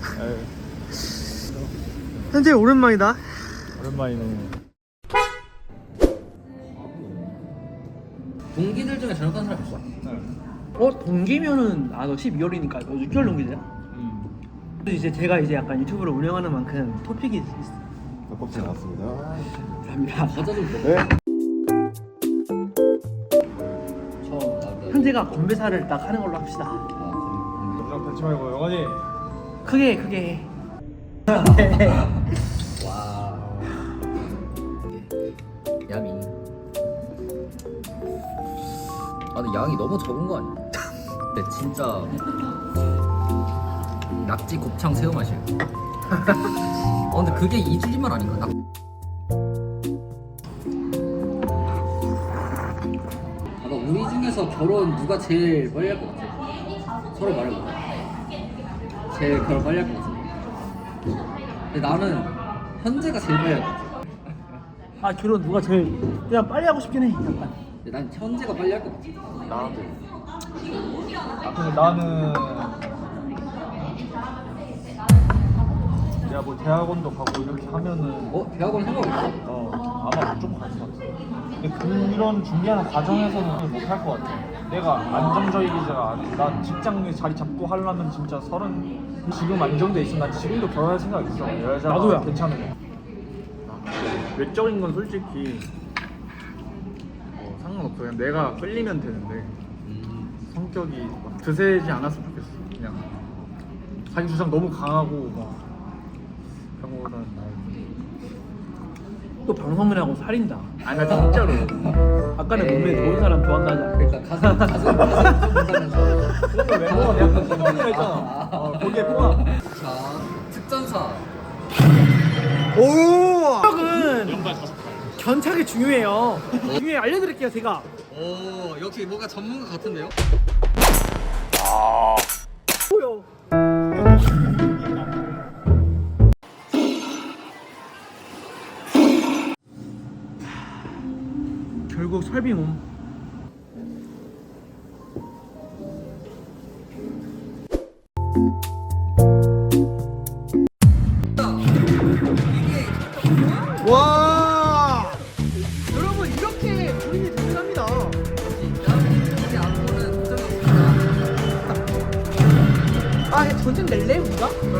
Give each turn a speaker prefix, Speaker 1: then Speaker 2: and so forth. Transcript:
Speaker 1: 현재 오랜만이다.
Speaker 2: 오랜만이네.
Speaker 3: 동기들 중에 전역한 사람 있어?
Speaker 1: 동기면은 너 12월이니까 너 6개월 동기잖아. 이제 제가 이제 약간 유튜브를 운영하는 만큼 토픽이 있어.
Speaker 2: 껍질 나왔습니다.
Speaker 1: 감사합니다.
Speaker 3: 과자 좀 먹어.
Speaker 2: 네.
Speaker 3: 처음 나왔다.
Speaker 1: 현재가 건배사를 딱 하는 걸로 합시다.
Speaker 2: 영상 펼치 말고 영원히.
Speaker 1: 크게.
Speaker 3: 와. 야미. 근데 양이 너무 적은 거 아니야? 근데 진짜 낙지 곱창 새우 맛이에요. 근데 그게 이주리만 아닌가? 우리 중에서 결혼 누가 제일 빨리 할 것 같아? 서로 말해봐. 제일 결혼 빨리 할 것 같아. 근데 나는 현재가 제일 빨리 할 것 같아.
Speaker 1: 결혼 누가 제일 그냥 빨리 하고 싶긴 해. 약간.
Speaker 3: 근데 난 현재가 빨리 할 것 같아.
Speaker 2: 나도. 근데 나는 야 뭐 대학원도 가고 이렇게 하면은
Speaker 3: 대학원 생각 있어?
Speaker 2: 아마 좀 갈 것 같아. 근데 그런 준비하는 과정에서는 못 할 것 같아. 내가 안정적이지가 않아. 난 직장에 자리 잡고 하려면 진짜 지금 안정돼 있어. 난 지금도 결혼할 생각 있어. 여자가
Speaker 1: 나도야.
Speaker 2: 괜찮으면.
Speaker 4: 외적인 건 솔직히 상관없어. 그냥 내가 끌리면 되는데 성격이 막 드세지 않았으면 좋겠어. 그냥 자기 주장 너무 강하고 막 그런 거보다는
Speaker 1: 또 방송을 하고 살인다.
Speaker 4: 아니 나 진짜로
Speaker 1: 아까는 몸에 좋은 사람 좋아한다 하잖아.
Speaker 3: 그러니까 가슴 좀 본다면서.
Speaker 2: 그런 걸 멤버가 약간 생각을 했잖아. 거기에 포함.
Speaker 3: 자, 특전사.
Speaker 1: 적은 견착이 중요해요. 중요해 알려드릴게요 제가.
Speaker 3: 오, 역시 뭔가 전문가 같은데요?
Speaker 1: 뭐요? 결국 설비몸. 와! 여러분 이렇게 본인이 대단합니다. 전쟁 낼래 우리가?